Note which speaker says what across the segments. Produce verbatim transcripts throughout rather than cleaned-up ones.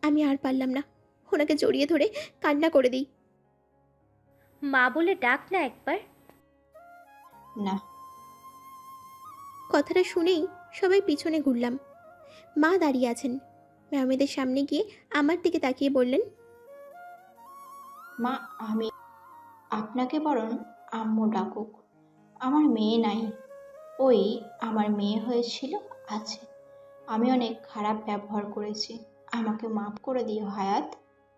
Speaker 1: আমি আর পারলাম না, ওনাকে জড়িয়ে ধরে কান্না করে দিই।
Speaker 2: মা বলে ডাক না একবার।
Speaker 3: না।
Speaker 1: কথাটা শুনেই সবাই পিছনে ঘুরলাম। মা দাঁড়িয়ে আছেন। মেহমেদের সামনে গিয়ে আমার দিকে তাকিয়ে বললেন,
Speaker 3: মা, আমি আপনাকে বরং আম্মু ডাকুক। আমার মেয়ে নাই, ওই আমার মেয়ে হয়েছিল, আছে। আমি অনেক খারাপ ব্যবহার করেছি, আমাকে মাফ করে দিও হায়াত।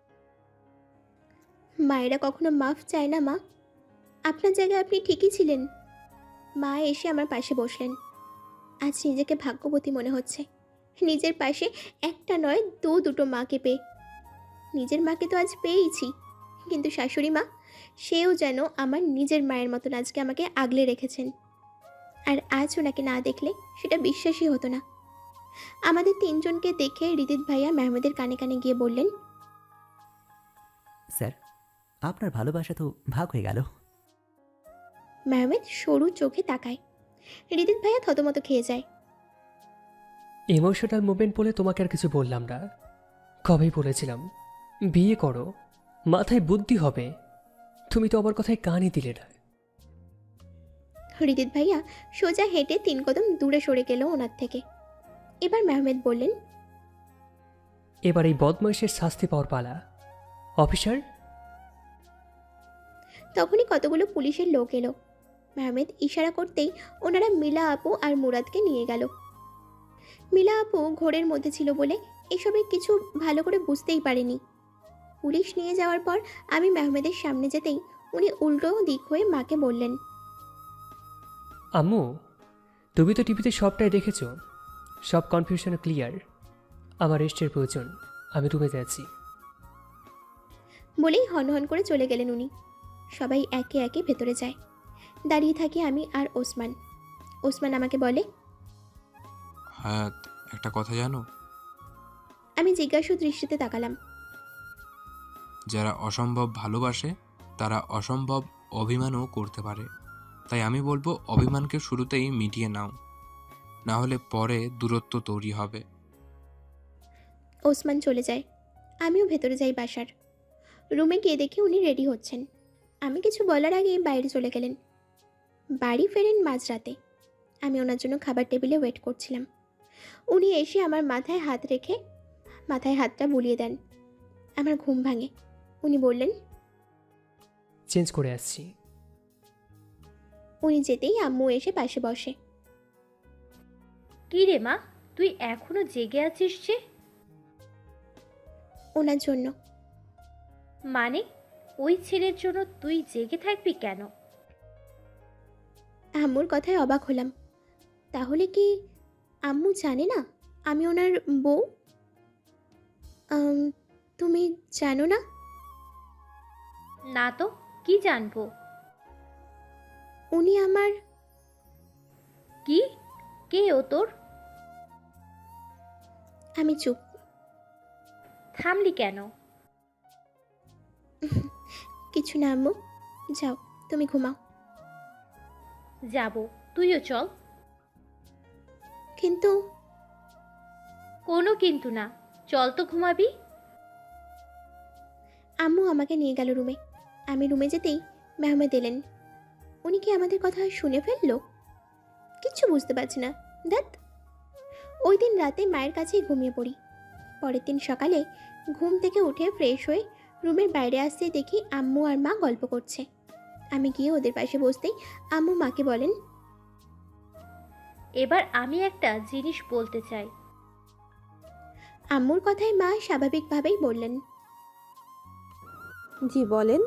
Speaker 1: মায়েরা কখনো মাফ চায় না মা। আপনার জায়গায় আপনি ঠিকই ছিলেন। মা এসে আমার পাশে বসলেন। আজ নিজেকে ভাগ্যবতী মনে হচ্ছে, নিজের পাশে একটা নয় দু দুটো মাকে পেয়ে। নিজের মাকে তো আজ পেয়েইছি, কিন্তু শাশুড়ি মা, সেও যেন আমার নিজের মায়ের মতন আজকে আমাকে আগলে রেখেছেন। আর আজ ওনাকে না দেখলে সেটা বিশ্বাসই হতো না। আমাদের তিনজনকে দেখে রিদিত ভাইয়া মেহমেদের কানে কানে গিয়ে বললেন,
Speaker 4: স্যার, আপনার ভালোবাসা তো ভাগ হয়ে গেল।
Speaker 1: মেহমেদ সরু চোখে তাকায়। রিদিত ভাইয়া থতমত খেয়ে যায়।
Speaker 5: ইমোশনাল মুভমেন্ট বলে তোমাকে আর কিছু বললাম না। কবেই বলেছিলাম বিয়ে করো, মাথায় বুদ্ধি হবে। তুমি তো আমার কথায় কানই দিলে না।
Speaker 1: রিদিত ভাইয়া সোজা হেঁটে তিন কদম দূরে সরে গেল ওনার থেকে। এবার মেহমেদ বললেন,
Speaker 5: এবার এই বদমাইশের শাস্তি পাওয়ার পালা। অফিসার।
Speaker 1: তখনই কতগুলো পুলিশের লোক এলো। মেহমেদ ইশারা করতেই ওনারা মিলা আপু আর মুরাদকে নিয়ে গেল। মিলা আপু ঘোরের মধ্যে ছিল বলে এসবের কিছু ভালো করে বুঝতেই পারেনি। পুলিশ নিয়ে যাওয়ার পর আমি মেহমেদের সামনে যেতেই উনি উল্টো দিক হয়ে মাকে বললেন,
Speaker 5: আম্মু, তুমি তো টিভিতে সবটাই দেখেছ, সব কনফিউশন ক্লিয়ার। আমার রেস্টের প্রয়োজন, আমি রুমে যাচ্ছি।
Speaker 1: বলেই হনহন করে চলে গেলেন উনি। সবাই একে একে ভেতরে যায়। দাঁড়িয়ে থাকি আমি আর ওসমান। ওসমান আমাকে বলে,
Speaker 6: হায়াত, একটা কথা জানো?
Speaker 1: আমি জিজ্ঞাসু দৃষ্টিতে তাকালাম।
Speaker 6: যারা অসম্ভব ভালোবাসে তারা অসম্ভব অভিমানও করতে পারে। তাই আমি বলবো অভিমানকে শুরুতেই মিটিয়ে নাও, না হলে পরে দূরত্ব তৈরি হবে।
Speaker 1: ওসমান চলে যায়। আমিও ভেতরে যাই বাসার। রুমে গিয়ে দেখি উনি রেডি হচ্ছেন। আমি কিছু বলার আগে বাইরে চলে গেলেন। বাড়ি ফেরেন মাঝরাতে। আমি ওনার জন্য খাবার টেবিলে ওয়েট করছিলাম। উনি এসে আমার মাথায় হাত রেখে মাথায় হাতটা বুলিয়ে দেন। আমার ঘুম ভাঙে। উনি বললেন,
Speaker 5: চেঞ্জ করে আসছি।
Speaker 1: উনি যেতেই আম্মু এসে পাশে বসে।
Speaker 2: কি রে মা, তুই এখনো জেগে আছিস যে?
Speaker 1: ওনার জন্য।
Speaker 2: মানে ওই ছেলের জন্য তুই জেগে থাকবি কেন?
Speaker 1: আম্মুর কথায় অবাক হলাম। তাহলে কি আম্মু জানে না আমি ওনার বউ? আম, তুমি জানো না?
Speaker 2: না তো, কি জানবো?
Speaker 1: উনি আমার।
Speaker 2: কি? কে ও তোর?
Speaker 1: আমি চুপ।
Speaker 2: থামলি কেন?
Speaker 1: কিছু না আম্মু, যাও তুমি ঘুমাও।
Speaker 2: যাব, তুইও চল।
Speaker 1: কিন্তু
Speaker 2: কোনো কিন্তু না, চল তো ঘুমাবি।
Speaker 1: আম্মু আমাকে নিয়ে গেল রুমে। আমি রুমে যেতেই মেহমেদ এলেন। উনি কি আমাদের কথা শুনে ফেললো? কিচ্ছু বুঝতে পারছি না। দেখ, ওই দিন রাতে মায়ের কাছেই ঘুমিয়ে পড়ি। পরের দিন সকালে ঘুম থেকে উঠে ফ্রেশ হয়ে রুমের বাইরে আসতেই দেখি আম্মু আর মা গল্প করছে। আমি গিয়ে ওদের পাশে বসতেই আম্মু মাকে বলেন,
Speaker 2: এবার আমি একটা জিনিস বলতে চাই।
Speaker 1: আম্মুর কথায় মা স্বাভাবিকভাবেই বললেন,
Speaker 7: জি বলেন।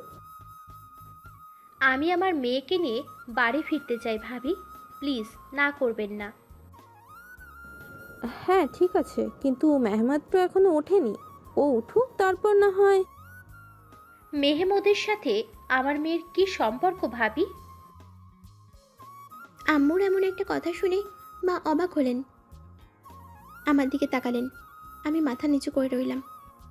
Speaker 2: আমি আমার মেয়েকে নিয়ে বাড়ি ফিরতে চাই ভাবি, প্লিজ না করবেন না।
Speaker 7: হ্যাঁ ঠিক আছে, কিন্তু মেহমাদ তো এখনো ওঠেনি। ও উঠুক, তারপর না হয়।
Speaker 2: মেহমুদের সাথে আমার মেয়ের কি সম্পর্ক ভাবি?
Speaker 1: আম্মুর এমন একটা কথা শুনে মা অবাক হলেন। আমার দিকে তাকালেন। আমি মাথা নিচু করে রইলাম।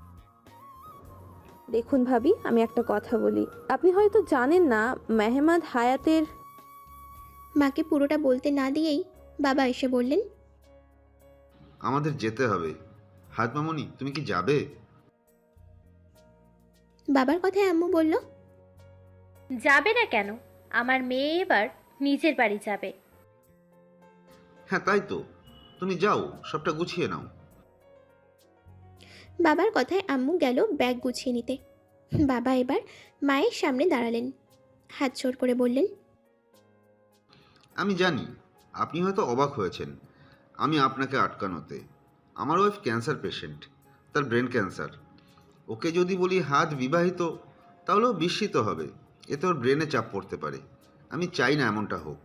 Speaker 7: দেখুন ভাবি, আমি একটা কথা বলি। আপনি হয়তো জানেন না, মেহমাদ হায়াতের।
Speaker 1: মাকে পুরোটা বলতে না দিয়েই বাবা এসে বললেন,
Speaker 8: আমাদের যেতে হবে। হাত মামুনি, তুমি কি যাবে?
Speaker 1: বাবার কথায় আম্মু বলল,
Speaker 2: যাবে না কেন? আমার মেয়ে এবার নিজের বাড়ি যাবে।
Speaker 8: হ্যাঁ তাই তো, তুমি যাও, সবটা গুছিয়ে নাও।
Speaker 1: বাবার কথায় আম্মু গেল ব্যাগ গুছিয়ে নিতে। বাবা এবার মায়ের সামনে দাঁড়ালেন, হাত জোড় করে বললেন,
Speaker 8: আমি জানি আপনি হয়তো অবাক হয়েছেন আমি আপনাকে আটকানোতে। আমার ওয়াইফ ক্যান্সার পেশেন্ট, তার ব্রেন ক্যান্সার। ওকে যদি বলি হাত বিবাহিত, তাহলেও বিস্মিত হবে, এতে ওর ব্রেনে চাপ পড়তে পারে। আমি চাই না এমনটা হোক।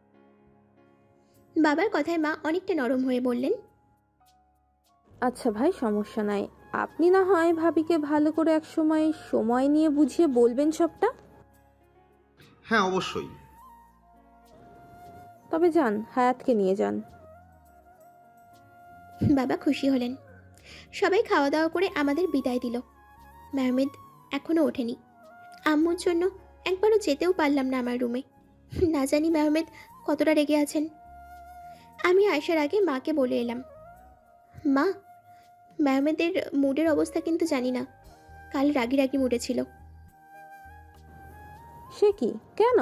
Speaker 1: বাবার কথায় মা অনেকটা নরম হয়ে বললেন,
Speaker 7: আচ্ছা ভাই, সমস্যা নাই। আপনি না হয় ভাবিকে ভালো করে এক সময় সময় নিয়ে বুঝিয়ে বলবেন সবটা।
Speaker 8: হ্যাঁ অবশ্যই।
Speaker 7: তবে যান, হায়াতকে নিয়ে যান।
Speaker 1: বাবা খুশি হলেন। সবাই খাওয়া দাওয়া করে আমাদের বিদায় দিল। মেহমেদ এখনো ওঠেনি। আম্মুর জন্য একবারও যেতেও পারলাম না আমার রুমে। না জানি মেহমেদ কতটা রেগে আছেন। আমি আসার আগে মাকে বলে এলাম, মা, মেহমেদের মুডের অবস্থা কিন্তু জানি না। কাল রাগি রাগি মুডে ছিল।
Speaker 7: সে কি, কেন?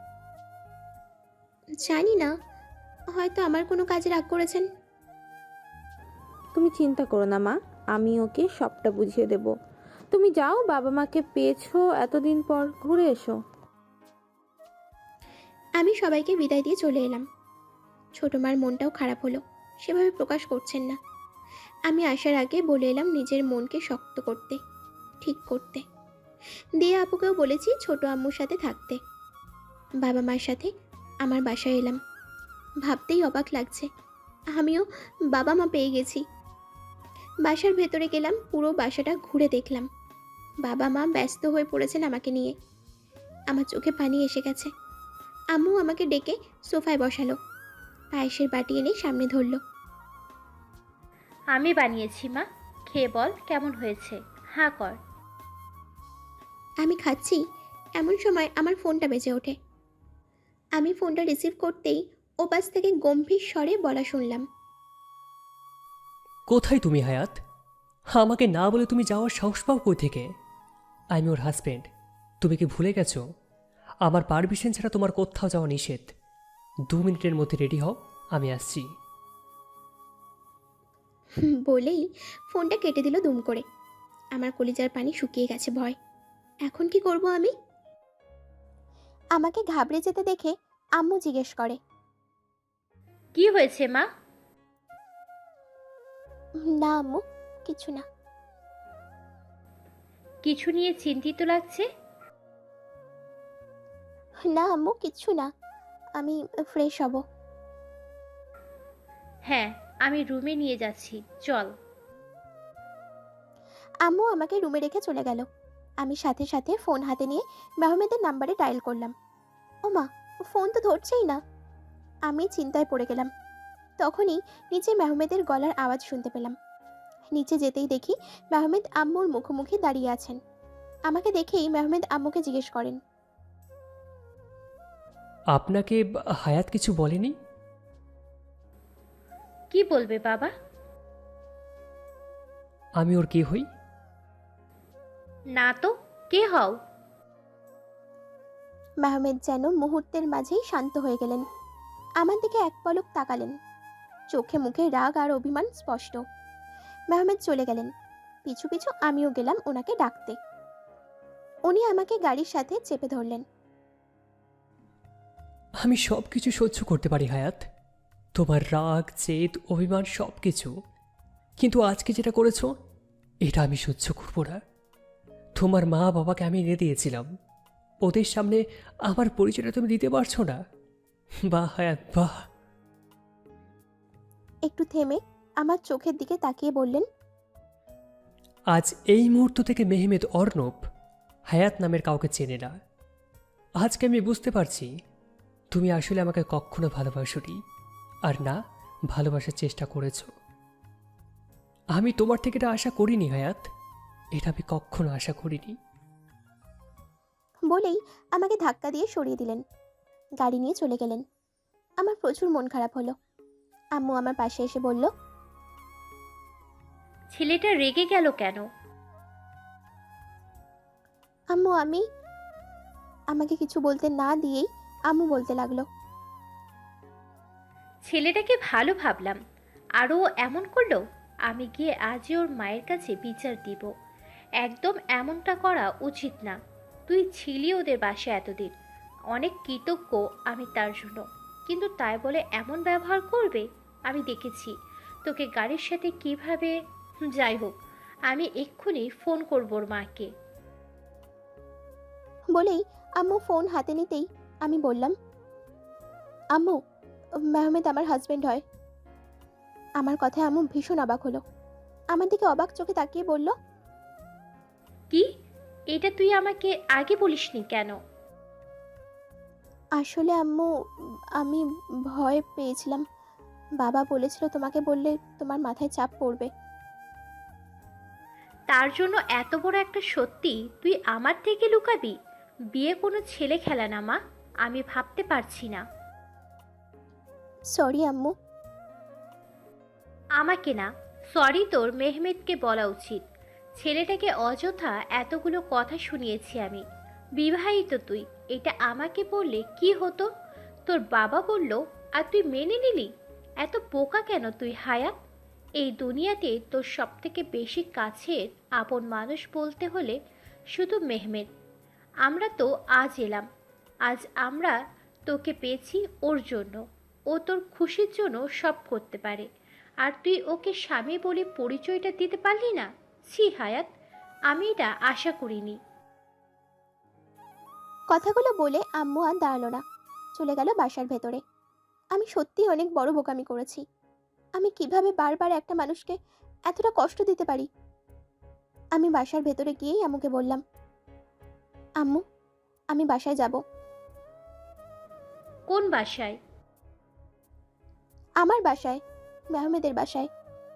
Speaker 1: জানি না, হয়তো আমার কোনো কাজে রাগ করেছেন।
Speaker 7: তুমি চিন্তা করো না মা, আমি ওকে সবটা বুঝিয়ে দেব। তুমি যাও, বাবা মাকে পেয়েছো এতদিন পর, ঘুরে এসো।
Speaker 1: আমি সবাইকে বিদায় দিয়ে চলে এলাম। ছোট মার মনটাও খারাপ হলো, সেভাবে প্রকাশ করছেন না। আমি আসার আগে বলে এলাম নিজের মনকে শক্ত করতে, ঠিক করতে। দিয়ে আপুকেও বলেছি ছোট আম্মুর সাথে থাকতে। বাবা মার সাথে আমার বাসায় এলাম। ভাবতেই অবাক লাগছে, আমিও বাবা মা পেয়ে গেছি। বাসার ভেতরে গেলাম, পুরো বাসাটা ঘুরে দেখলাম। বাবা মা ব্যস্ত হয়ে পড়েছেন আমাকে নিয়ে। আমার চোখে পানি এসে গেছে। আম্মু আমাকে ডেকে সোফায় বসালো, পায়েসের বাটি এনে সামনে ধরলো।
Speaker 2: আমি বানিয়েছি মা, খেয়ে বল কেমন হয়েছে। হাঁ কর।
Speaker 1: আমি খাচ্ছি, এমন সময় আমার ফোনটা বেজে ওঠে। আমি ফোনটা রিসিভ করতেই ওপাশ থেকে গম্ভীর স্বরে বলা শুনলাম,
Speaker 5: কোথায় তুমি হায়াত? আমাকে না বলে তুমি যাওয়ার সাহস পাও কই থেকে? আমি ওর হাজব্যান্ড, তুমি কি ভুলে গেছো? আমার পারমিশন ছাড়া তোমার কোথাও যাওয়া নিষেধ। দু মিনিটের মধ্যে রেডি হও, আমি আসছি।
Speaker 1: বলেই ফোনটা কেটে দিল দুম করে। আমার কলিজার পানি শুকিয়ে গেছে ভয়। এখন কি করব আমি? আমাকে ঘাবড়ে যেতে দেখে আম্মু জিজ্ঞেস করে,
Speaker 2: কি হয়েছে মা?
Speaker 1: না আম্মু, কিছু না।
Speaker 2: কিছু নিয়ে চিন্তিত লাগছে।
Speaker 1: না আম্মু, কিছু না, আমি ফ্রেশ হব।
Speaker 2: হ্যাঁ, আমি রুমে নিয়ে যাচ্ছি, চল।
Speaker 1: আম্মু আমাকে রুমে রেখে চলে গেল। আমি সাথে সাথে ফোন হাতে নিয়ে মেহমেদের নাম্বারে ডায়াল করলাম। ও মা, ফোন তো ধরছেই না। আমি চিন্তায় পড়ে গেলাম। তখনই নিচে মেহমেদের গলার আওয়াজ শুনতে পেলাম। নিচে যেতেই দেখি মেহমেদ আম্মুর মুখোমুখি দাঁড়িয়ে আছেন। আমাকে দেখেই মেহমেদ আম্মুকে জিজ্ঞেস করেন,
Speaker 5: আপনাকে হায়াত কিছু বলেনি?
Speaker 2: কি বলবে বাবা?
Speaker 5: আমি ওর কে হই?
Speaker 2: না তো, কে হও?
Speaker 1: মেহমেদ যেন মুহূর্তের মাঝেই শান্ত হয়ে গেলেন। আমার দিকে এক পলক তাকালেন, চোখে মুখে রাগ আর অভিমান স্পষ্ট। মেহমেদ চলে গেলেন, পিছু পিছু আমিও গেলাম ওনাকে ডাকতে। উনি আমাকে গাড়ির সাথে চেপে ধরলেন।
Speaker 5: আমি সব কিছু সহ্য করতে পারি হায়াত, তোমার রাগ, জেদ, অভিমান সব কিছু। কিন্তু আজকে যেটা করেছো, এটা আমি সহ্য করবো না। তোমার মা বাবাকে আমি এনে দিয়েছিলাম, ওদের সামনে আমার পরিচয়টা তুমি দিতে পারছো না। বাহ হায়াত বাহ।
Speaker 1: একটু থেমে আমার চোখের দিকে তাকিয়ে বললেন,
Speaker 5: আজ এই মুহূর্ত থেকে মেহমেদ অর্ণব হায়াত নামের কাউকে চেনে না। আজকে আমি বুঝতে পারছি তুমি আসলে আমাকে কখনো ভালোবাসোনি, আর না ভালোবাসার চেষ্টা করেছ। আমি তোমার থেকে এটা আশা করিনি হায়াত, এটা আমি কখনো আশা করিনি।
Speaker 1: বলেই আমাকে ধাক্কা দিয়ে সরিয়ে দিলেন, গাড়ি নিয়ে চলে গেলেন। আমার প্রচুর মন খারাপ হলো। আম্মু আমার পাশে এসে বলল,
Speaker 2: ছেলেটা রেগে গেল কেন?
Speaker 1: আম্মু আমি আমাকে কিছু বলতে না দিয়েই আম্মু বলতে লাগলো,
Speaker 2: ছেলেটাকে ভালো ভাবলাম, আরও এমন করলো। আমি গিয়ে আজই ওর মায়ের কাছে বিচার দিব। একদম এমনটা করা উচিত না। তুই ছিলি ওদের বাসায় এতদিন, অনেক কৃতজ্ঞ আমি তার জন্য, কিন্তু তাই বলে এমন ব্যবহার করবে? আমি দেখেছি তোকে গাড়ির সাথে কিভাবে। যাই হোক, আমি এক্ষুনি ফোন করব ওর মাকে।
Speaker 1: বলেই আম্মু ফোন হাতে নিতেই আমি বললাম, আম্মু, মেহমেদ আমার হাজবেন্ড হয়। আমার কথায় আম্মু ভীষণ অবাক হলো। আমার দিকে অবাক চোখে তাকিয়ে বলল,
Speaker 2: কি? এটা তুই আমাকে আগে বলিসনি কেন?
Speaker 1: আসলে আম্মু, আমি ভয় পেয়েছিলাম। বাবা বলেছিল তোমাকে বললে তোমার মাথায় চাপ পড়বে।
Speaker 2: তার জন্য এত বড় একটা সত্যি তুই আমার থেকে লুকাবি? বিয়ে কোনো ছেলে খেলা না মা, আমি ভাবতে পারছি না।
Speaker 1: সরি আম্মু।
Speaker 2: আমাকে না, সরি তোর মেহমেদকে বলা উচিত। ছেলেটাকে অযথা এতগুলো কথা শুনিয়েছি আমি। বিবাহিত তুই, এটা আমাকে বললে কি হতো? তোর বাবা বলল আর তুই মেনে নিলি? এত বোকা কেন তুই হায়াত? এই দুনিয়াতে তোর সবথেকে বেশি কাছের আপন মানুষ বলতে হলে শুধু মেহমেদ। আমরা তো আজ এলাম, আজ আমরা তোকে পেয়েছি ওর জন্য। ও তোর খুশির জন্য সব করতে পারে, আর তুই ওকে স্বামী বলে পরিচয়টা দিতে পারলি না। ছি হায়াত, আমি এটা আশা করিনি।
Speaker 1: কথাগুলো বলে আম্মু আর দাঁড়ালো না, চলে গেল বাসার ভেতরে। আমি সত্যি অনেক বড় বোকামি করেছি। আমি কিভাবে বারবার একটা মানুষকে এতটা কষ্ট দিতে পারি? আমি বাসার ভেতরে গিয়েই আম্মুকে বললাম, আম্মু, আমি বাসায় যাব।
Speaker 2: কোন বাসায়?
Speaker 1: আমার বাসায়, মেহমেদের বাসায়।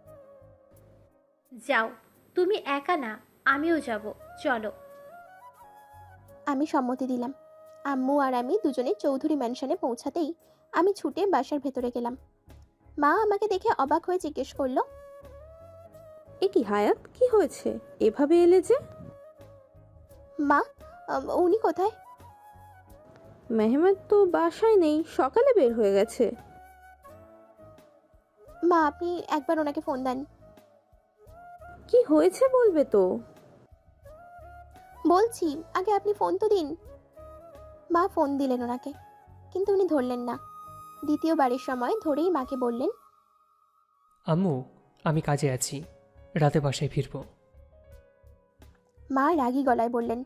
Speaker 2: যাও, তুমি একা না, আমিও যাব, চলো।
Speaker 1: আমি সম্মতি দিলাম। আম্মু আর আমি দুজনে চৌধুরী ম্যানশনে পৌঁছাতেই আমি ছুটে বাসার ভেতরে গেলাম। মা আমাকে দেখে অবাক হয়ে জিজ্ঞেস করলো,
Speaker 7: এ কি হায়াত, কি হয়েছে? এভাবে এলে যে?
Speaker 1: মা, আম, উনি কোথায়?
Speaker 7: মেহমেদ তো বাসায় নেই, সকালে বের হয়ে গেছে।
Speaker 1: মা, আপনি একবার ওনাকে ফোন দেন।
Speaker 7: কি হয়েছে বলবে তো?
Speaker 1: বলছি, আগে আপনি ফোন তো দিন। মা ফোন দিলেন ওনাকে, কিন্তু উনি ধরলেন না। দ্বিতীয়বারের সময় ধরেই মাকে বললেন,
Speaker 5: আম্মু, আমি কাজে আছি, রাতে বাসায় ফিরব।
Speaker 1: মা রাগী গলায় বললেন,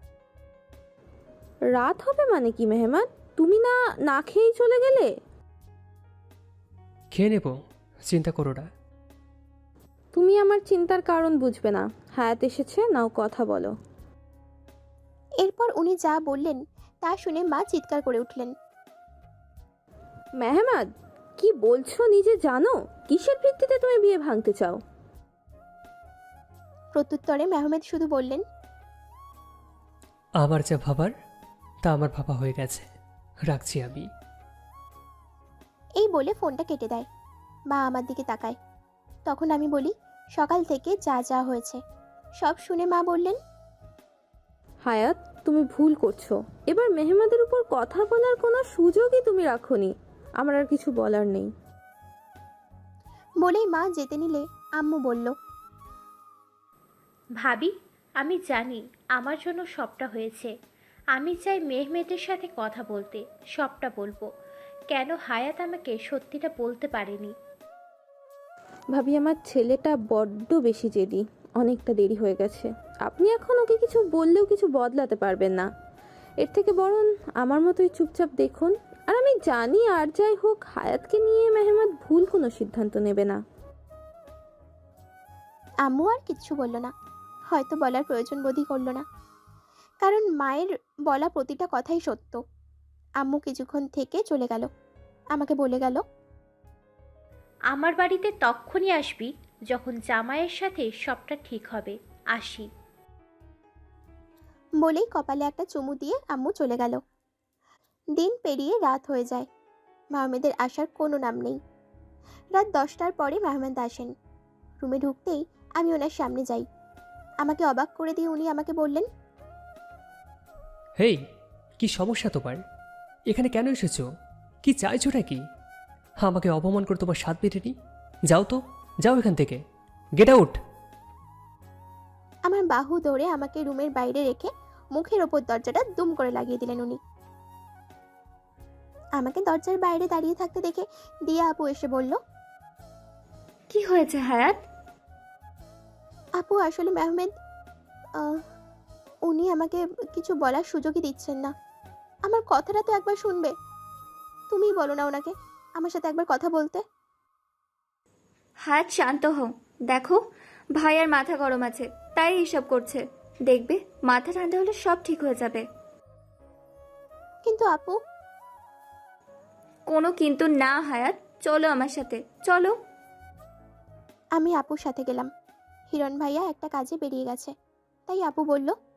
Speaker 7: রাত হবে মানে কি মেহমান? তুমি না না খেয়েই চলে গেলে?
Speaker 5: খেয়ে নেব, চিন্তা করো না।
Speaker 7: তুমি আমার চিন্তার কারণ বুঝবে না। হায়াত এসেছে, নাও কথা বলো।
Speaker 1: এরপর উনি যা বললেন তা শুনে মা চিৎকার করে উঠলেন,
Speaker 7: মেহমাদ, কি বলছো নিজে জানো? কিসের ভিত্তিতে তুমি বিয়ে ভাঙতে চাও?
Speaker 1: প্রত্যুত্তরে মেহমেদ শুধু বললেন,
Speaker 5: আমার যা ভাবার তা আমার ভাবা হয়ে গেছে, রাখছি আমি।
Speaker 1: এই বলে ফোনটা কেটে দেয়। মা আমার দিকে তাকায়। তখন আমি বলি, সকাল থেকে যা যা হয়েছে সব শুনে মা বললেন,
Speaker 7: হায়াত, তুমি ভুল করছো। এবার মেহমাদের উপর কথা বলার কোনো সুযোগই তুমি রাখোনি। আমার আর কিছু বলার নেই।
Speaker 1: বলেই মা যেতে নিলে আম্মু বলল,
Speaker 2: ভাবি, আমি জানি আমার জন্য সবটা হয়েছে। আমি চাই মেহমেদের সাথে কথা বলতে, সবটা বলবো। কেন হায়াত আমাকে সত্যিটা বলতে পারেনি?
Speaker 7: ভাবি, আমার ছেলেটা বড্ড বেশি জেদি। অনেকটা দেরি হয়ে গেছে। আপনি এখন ওকে কিছু বললেও কিছু বদলাতে পারবেন না। এর থেকে বরং আমার মতোই চুপচাপ দেখুন। আর আমি জানি আর যাই হোক, হায়াতকে নিয়ে মেহমাদ ভুল কোনো সিদ্ধান্ত নেবে না।
Speaker 1: আম্মু আর কিচ্ছু বলল না, হয়তো বলার প্রয়োজন বোধই করল না, কারণ মায়ের বলা প্রতিটা কথাই সত্য। আম্মু কিছুক্ষণ থেকে চলে গেল, আমাকে বলে গেল,
Speaker 2: আমার বাড়িতে তক্ষুনি আসবি যখন জামাইয়ের সাথে সবটা ঠিক হবে। আসি।
Speaker 1: বলেই কপালে একটা চুমু দিয়ে আম্মু চলে গেল। দিন পেরিয়ে রাত হয়ে যায়, মাহমেদের আসার কোনো নাম নেই। রাত দশটার পরে মাহমেদ আসেন। রুমে ঢুকতেই আমি ওনার সামনে যাই। আমাকে অবাক করে দিয়ে উনি আমাকে বললেন,
Speaker 5: হেই, কি সমস্যা তোমার? এখানে কেন এসেছো? কি চাইছোটা কি? আমাকে অপমান করে তোমার স্বাদ বেরেনি? যাও তো, যাও এখান থেকে, গেট আউট।
Speaker 1: আমার বাহু ধরে আমাকে রুমের বাইরে রেখে মুখের ওপর দরজাটা দুম করে লাগিয়ে দিলেন উনি। আমাকে দরজার বাইরে দাঁড়িয়ে থাকতে দেখে দিয়া আপু এসে বলল,
Speaker 9: কি হয়েছে হায়াত?
Speaker 1: আপু আসলে মেহমেদ আহ, উনি আমাকে কিছু বলার সুযোগই দিচ্ছেন না। আমার কথাটা তো একবার শুনবে। তুমিই বলো না ওনাকে আমার সাথে একবার কথা বলতে।
Speaker 9: হায়াত শান্ত হও। দেখো, ভাইয়ার মাথা গরম আছে, তাই এসব করছে। দেখবে মাথা ঠান্ডা হলে সব ঠিক হয়ে যাবে।
Speaker 1: কিন্তু আপু,
Speaker 9: কোনো কিন্তু না হায়াত, চলো আমার সাথে, চলো।
Speaker 1: আমি আপুর সাথে গেলাম। হিরণ ভাইয়া একটা কাজে বেরিয়ে গেছে, তাই আপু বলল,